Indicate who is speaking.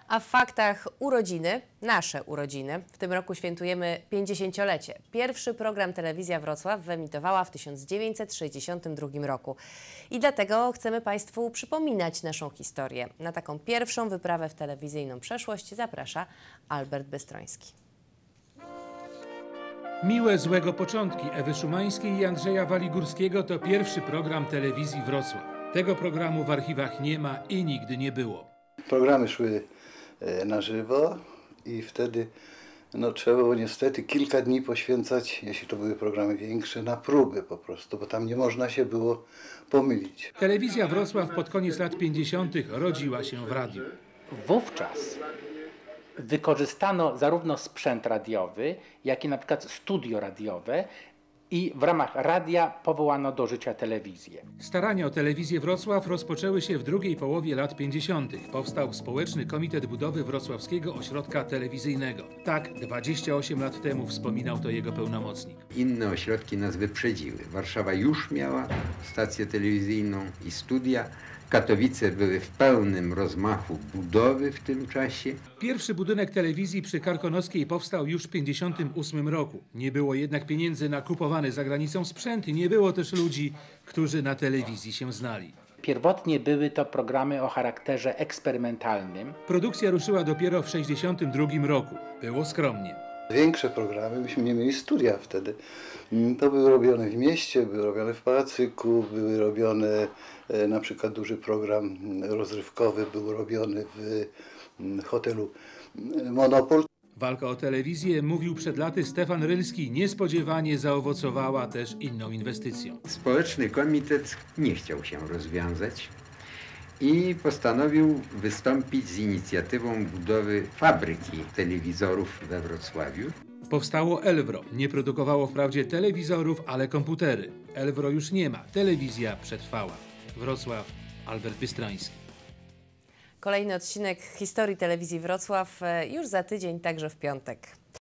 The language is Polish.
Speaker 1: A w faktach urodziny, nasze urodziny. W tym roku świętujemy 50-lecie. Pierwszy program Telewizja Wrocław wyemitowała w 1962 roku. I dlatego chcemy Państwu przypominać naszą historię. Na taką pierwszą wyprawę w telewizyjną przeszłość zaprasza Albert Bystroński.
Speaker 2: Miłe złego początki Ewy Szumańskiej i Andrzeja Waligórskiego to pierwszy program Telewizji Wrocław. Tego programu w archiwach nie ma i nigdy nie było.
Speaker 3: Programy szły na żywo i wtedy trzeba było niestety kilka dni poświęcać, jeśli to były programy większe, na próby po prostu, bo tam nie można się było pomylić.
Speaker 2: Telewizja Wrocław pod koniec lat 50. rodziła się w radiu.
Speaker 4: Wówczas wykorzystano zarówno sprzęt radiowy, jak i na przykład studio radiowe i w ramach radia powołano do życia telewizję.
Speaker 2: Starania o Telewizję Wrocław rozpoczęły się w drugiej połowie lat 50. Powstał Społeczny Komitet Budowy Wrocławskiego Ośrodka Telewizyjnego. Tak 28 lat temu wspominał to jego pełnomocnik.
Speaker 5: Inne ośrodki nas wyprzedziły. Warszawa już miała stację telewizyjną i studia. Katowice były w pełnym rozmachu budowy w tym czasie.
Speaker 2: Pierwszy budynek telewizji przy Karkonoskiej powstał już w 1958 roku. Nie było jednak pieniędzy na kupowany za granicą sprzęt i nie było też ludzi, którzy na telewizji się znali.
Speaker 4: Pierwotnie były to programy o charakterze eksperymentalnym.
Speaker 2: Produkcja ruszyła dopiero w 1962 roku. Było skromnie.
Speaker 3: Większe programy, myśmy nie mieli studia wtedy. To były robione w mieście, były robione w Pałacyku, były robione na przykład duży program rozrywkowy, był robiony w hotelu Monopol.
Speaker 2: Walka o telewizję, mówił przed laty Stefan Rylski, niespodziewanie zaowocowała też inną inwestycją.
Speaker 5: Społeczny komitet nie chciał się rozwiązać i postanowił wystąpić z inicjatywą budowy fabryki telewizorów we Wrocławiu.
Speaker 2: Powstało Elwro. Nie produkowało wprawdzie telewizorów, ale komputery. Elwro już nie ma. Telewizja przetrwała. Wrocław, Albert Bystroński.
Speaker 1: Kolejny odcinek historii Telewizji Wrocław już za tydzień, także w piątek.